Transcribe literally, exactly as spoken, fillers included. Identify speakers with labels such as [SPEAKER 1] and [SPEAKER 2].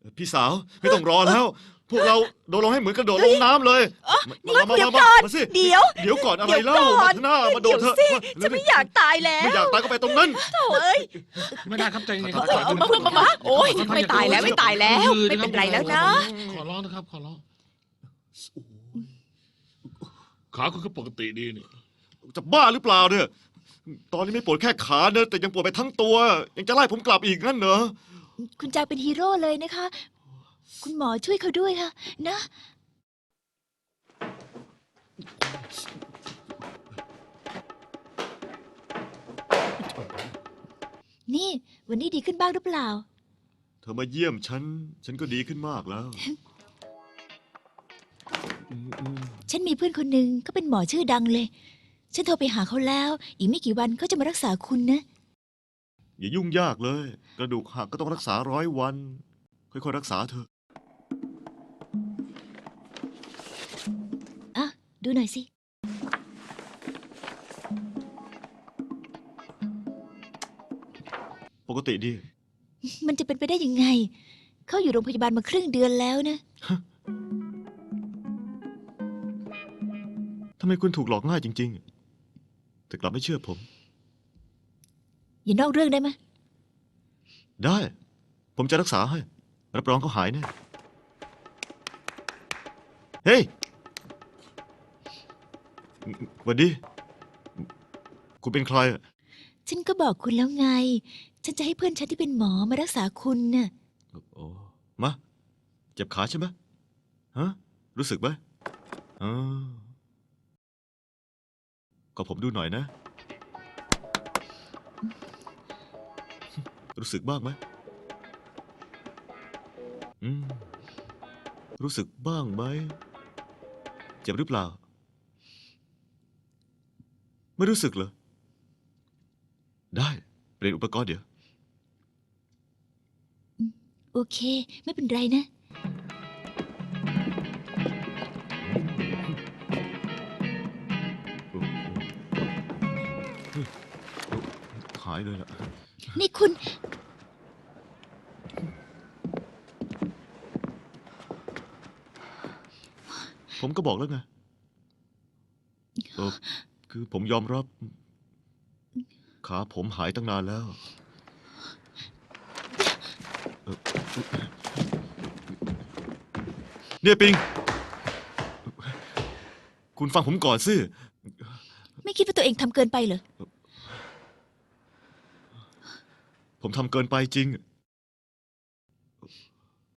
[SPEAKER 1] พี่สาวไม่ต้องรอแล้ว พวกเราโดดลงให้เหมือนกระโดดลงน้ำเลยมามามา
[SPEAKER 2] เดี๋ยว
[SPEAKER 1] มา
[SPEAKER 2] ก่อน
[SPEAKER 1] มาสิ
[SPEAKER 2] เดี๋ยว
[SPEAKER 1] เดี๋ยวก่อนอะไร
[SPEAKER 2] เดี๋ยว
[SPEAKER 1] เล่า
[SPEAKER 2] ก่อน
[SPEAKER 1] มาเถอะหน้ามาโดดเถอะ
[SPEAKER 2] เดี๋ยวสิ
[SPEAKER 1] มา
[SPEAKER 2] ฉันไม่อยากตายแล้ว
[SPEAKER 1] ไม่อยากตายก็ไปตรงนั้น
[SPEAKER 2] โถ่เอ้ย
[SPEAKER 3] ไม่ได้ครับใจเย็นๆครับ
[SPEAKER 2] เออเออมามามาโอ๊ยไม่ตายแล้วไม่ตายแล้ว ไม่เป็นไรแล้วนะ
[SPEAKER 3] ขอร้องนะครับขอร้องขาคุณก็ปกติดีนี่
[SPEAKER 1] จะบ้าหรือเปล่าเนี่ย ตอนนี้ไม่ปวดแค่ขาเนอะแต่ยังปวดไปทั้งตัว ยังจะไล่ผมกลับอีกงั้นเหรอ
[SPEAKER 2] คุณจางเป็นฮีโร่เลยนะคะ คุณหมอช่วยเขาด้วยค่ะ นะ นี่ วันนี้ดีขึ้นบ้างหรือเปล่า
[SPEAKER 1] เธอมาเยี่ยมฉัน ฉันก็ดีขึ้นมากแล้วอืมอืม
[SPEAKER 2] ฉันมีเพื่อนคนหนึ่งเขาเป็นหมอชื่อดังเลย ฉันโทรไปหาเขาแล้ว อีกไม่กี่วันเขาจะมารักษาคุณนะ
[SPEAKER 1] อย่ายุ่งยากเลย กระดูกหักก็ต้องรักษาร้อยวัน ค่อยๆรักษาเถอะ
[SPEAKER 2] อ่ะ ดูหน่อยสิ
[SPEAKER 1] ปกติดี
[SPEAKER 2] มันจะเป็นไปได้ยังไง เขาอยู่โรงพยาบาลมาครึ่งเดือนแล้วนะ
[SPEAKER 1] ทำไมคุณถูกหลอกง่ายจริงๆ แต่กลับไม่เชื่อผม
[SPEAKER 2] อย่านอกเรื่องได้ไหม
[SPEAKER 1] ได้ ผมจะรักษาให้ รับรองเขาหายแน่ เฮ้ยหวัดดี คุณเป็นใครอะ
[SPEAKER 2] ฉันก็บอกคุณแล้วไง ฉันจะให้เพื่อนฉันที่เป็นหมอมารักษาคุณน่ะ
[SPEAKER 1] โอ้มา เจ็บขาใช่ไหมฮะ รู้สึกไหมอ๋อก็ผมดูหน่อยนะ รู้สึกบ้างไหมอืม รู้สึกบ้างไหม เจ็บหรือเปล่า ไม่รู้สึกเหรอ ได้ เปลี่ยนอุปกรณ์เดี๋ยว
[SPEAKER 2] โอเค ไม่เป็นไรนะ
[SPEAKER 1] หายเลยล่ะ
[SPEAKER 2] นี่คุณ
[SPEAKER 1] ผมก็บอกแล้วไงเออคือผมยอมรับ ขาผมหายตั้งนานแล้วเอ่อเนี่ยปิง คุณฟังผมก่อนสิ
[SPEAKER 2] ไม่คิดว่าตัวเองทำเกินไปเหรอ
[SPEAKER 1] ผมทำเกินไปจริง